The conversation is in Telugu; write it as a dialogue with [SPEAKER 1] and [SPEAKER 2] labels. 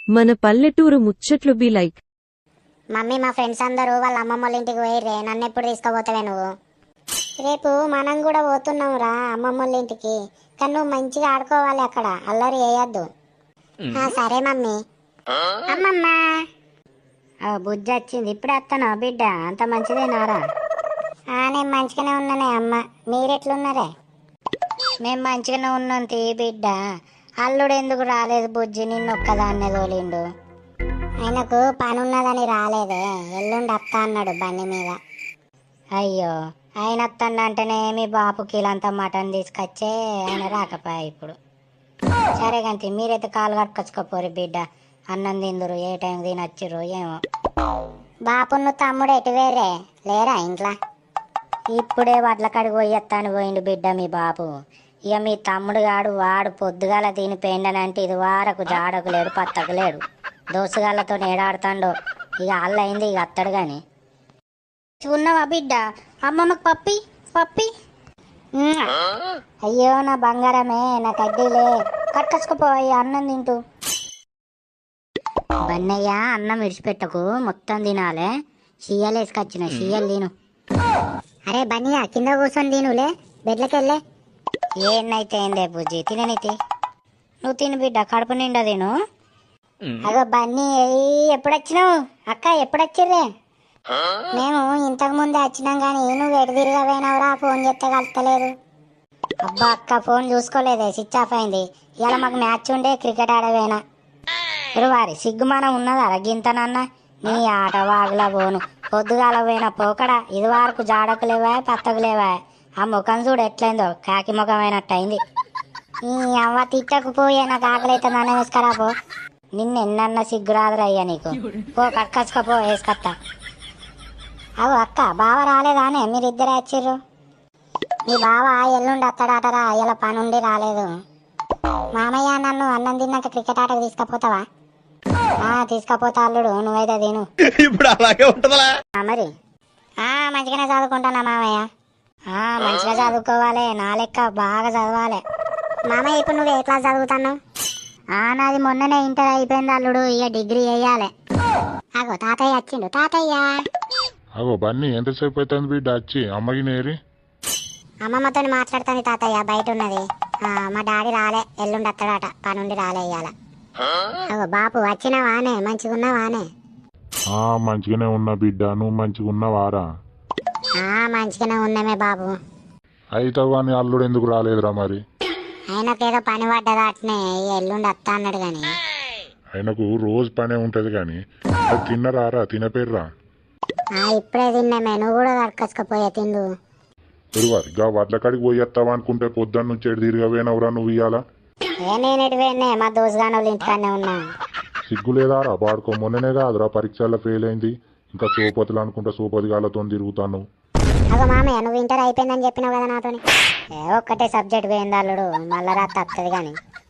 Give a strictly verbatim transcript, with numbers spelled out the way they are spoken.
[SPEAKER 1] మన పల్లెటూరు ముచ్చట్లు బి లైక్.
[SPEAKER 2] మమ్మీ మా ఫ్రెండ్స్ అందరూ వాళ్ళ అమ్మమ్మ వాళ్ళ ఇంటికి పోయిర్రే, నన్ను ఎప్పుడు తీసుకుపోతావే నువ్వు? రేపు మనం కూడా పోతున్నాం రా అమ్మమ్మ వాళ్ళ ఇంటికి, కానీ నువ్వు మంచిగా ఆడుకోవాలి అక్కడ, అల్లరి వేయద్దు. సరే మమ్మీ. అమ్మమ్మ బుజ్జి వచ్చింది, ఇప్పుడే వస్తాను బిడ్డ, అంత మంచిదేనారా? నేను మంచిగానే ఉన్నానే అమ్మ, మీరెట్లున్నారే? మేము మంచిగానే ఉన్నాం తీ బిడ్డ. అల్లుడు ఎందుకు రాలేదు బుజ్జి, నిన్ను ఒక్కదాన్నే తోలిండు. ఆయనకు పని ఉన్నదని రాలేదే, ఎల్లుండి వస్తా అన్నాడు బండి మీద. అయ్యో, ఆయన వస్తాడంటేనే మీ బాపు కిలంతా మటన్ తీసుకొచ్చే ఆయన రాకపోయా ఇప్పుడు. సరే గంతి, మీరైతే కాలు కట్టుకొచ్చుకోపోరు బిడ్డ, అన్నం తిందురు, ఏ టైం తినొచ్చిర్రు ఏమో. బాపును తమ్ముడు ఎటు వేరే లేరా ఇంట్లో? ఇప్పుడే వడ్ల కడిగి పోయొత్తాను పోయిండు బిడ్డ మీ బాపు. ఇక మీ తమ్ముడు గాడు వాడు పొద్దుగాల తిని పెండనంటే ఇది వారకు జాడకు లేడు పత్తకు లేడు, దోసుగాళ్ళతో ఏడాడుతాండో. ఇక అల్లయింది, ఇక అత్తడు గాని. ఉన్నావా బిడ్డ? అమ్మమ్మకు పప్పి పప్పి. అయ్యో నా బంగారమే, నా కడ్డీలే, కట్టుకొచ్చుకుపోయి అన్నం తింటూ. బన్నయ్య అన్నం విడిచిపెట్టకు, మొత్తం తినాలే. షియ్యలు వేసుకొచ్చిన, షియ్యలు తిను. అరే బన్నయ్య, కింద కూర్చొని తినులే, బెడ్లకెళ్ళే. ఏనైతే ఏందే బుజ్జి, తిననైతే నువ్వు తిను బిడ్డ, కడుపు నిండా తిను. అగో బన్నీ, ఎప్పుడొచ్చినావు అక్క? ఎప్పుడొచ్చిర్రే? మేము ఇంతకు ముందే వచ్చినాం గానీ నువ్వు ఎటు తిరిగా పోయినావురా, ఫోన్ చేస్తే కలుస్తలేదు. అబ్బా అక్క, ఫోన్ చూసుకోలేదే, స్విచ్ ఆఫ్ అయింది. ఇలా మాకు మ్యాచ్ ఉండే, క్రికెట్ ఆడవేనా. వారి సిగ్గుమానం ఉన్నదా గింతనన్న? నీ ఆట వాగులా పోను, పొద్దుగాల పోయిన పోకడా ఇది వరకు జాడకు లేవా పత్తకు లేవా. ఆ ముఖం చూడు ఎట్లయిందో, కాకి ముఖం అయినట్టు అయింది. ఈ అవ్వ తిట్టకు పోయే, నాకు ఆకలి అయితే నన్ను వేసుకరా పో. నిన్న ఎన్నన్న సిగ్గురాదురా అయ్యా నీకు, పో కట్టుకొచ్చుకపో వేసుకొత్తా. అవు అక్క, బావ రాలేదానే? మీరిద్దరే వచ్చిర్రు. మీ బావ ఎల్లుండి అత్తడాటరా, ఇలా పనుండి రాలేదు. మామయ్య, నన్ను అన్నం తిన్నాక క్రికెట్ ఆటకు తీసుకపోతావా? తీసుకపోతా అల్లుడు, నువ్వైతే తిను.
[SPEAKER 3] ఇప్పుడు అలాగే ఉంటుందా
[SPEAKER 2] మరి? మంచిగానే చదువుకుంటానా మామయ్య? మంచిగా చదువుకోవాలి, నా లెక్క బాగా చదవాలి. మామయ్య, ఇప్పుడు నువ్వు ఏ క్లాస్ చదువుతాను? నాది మొన్ననే ఇంటర్ అయిపోయింది అల్లుడు, ఇక డిగ్రీ వేయాలి. అగో తాతయ్య వచ్చిండు. తాతయ్య
[SPEAKER 4] అగో బన్నీ, ఎంతసేపు అవుతుంది బిడ్డ వచ్చి? అమ్మకి నేరి
[SPEAKER 2] అమ్మమ్మతో మాట్లాడుతాను తాతయ్య, బయట ఉన్నది. మా డాడీ రాలే, ఎల్లుండి అత్తడాట, పనుండి రాలే ఇయ్యాల. అగో బాపు, వచ్చినావానే? మంచిగా ఉన్నావానే?
[SPEAKER 4] మంచిగానే ఉన్నా బిడ్డ, నువ్వు మంచిగా ఉన్నావారా?
[SPEAKER 2] మంచిగానే ఉన్నామే బాబు.
[SPEAKER 4] అయితే కానీ అల్లుడు ఎందుకు రాలేదురా మరి?
[SPEAKER 2] ఆయనకేదో పని పడ్డదా అట్నే, ఎల్లుండి వస్తా అన్నాడు గాని.
[SPEAKER 4] ఆయనకు రోజు పనే ఉంటది గాని, తిన్నరారా? తినపేర్రా?
[SPEAKER 2] ఇప్పుడే తిన్నామే, నువ్వు కూడా కట్టుకొచ్చుకపోయా తిందు.
[SPEAKER 4] గా వడ్ల కాడికి పోయేస్తావా అనుకుంటే పొద్దున్న నుంచి ఎడు తిరిగవేనవరా నువ్వు ఇయ్యాల?
[SPEAKER 2] ఏ నేను ఎటు పోయినా, మా దోసుగాని వాళ్ళ ఇంటికాడనే ఉన్నా.
[SPEAKER 4] సిగ్గు లేదారా బాడుకో? మొన్ననే కాదురా పరీక్షల్లో ఫెయిల్ అయింది, ఇంకా సోపతులు అనుకుంటా సోపతి గాళ్ళతో తిరుగుతాను.
[SPEAKER 2] అగో మామయ్య, నువ్వు ఇంటర్ అయిపోయిందని చెప్పినావు కదా నాతోని. ఏ ఒక్కటే సబ్జెక్ట్ పోయింది అల్లుడు, మళ్ళా రాత్రి వస్తుంది కానీ.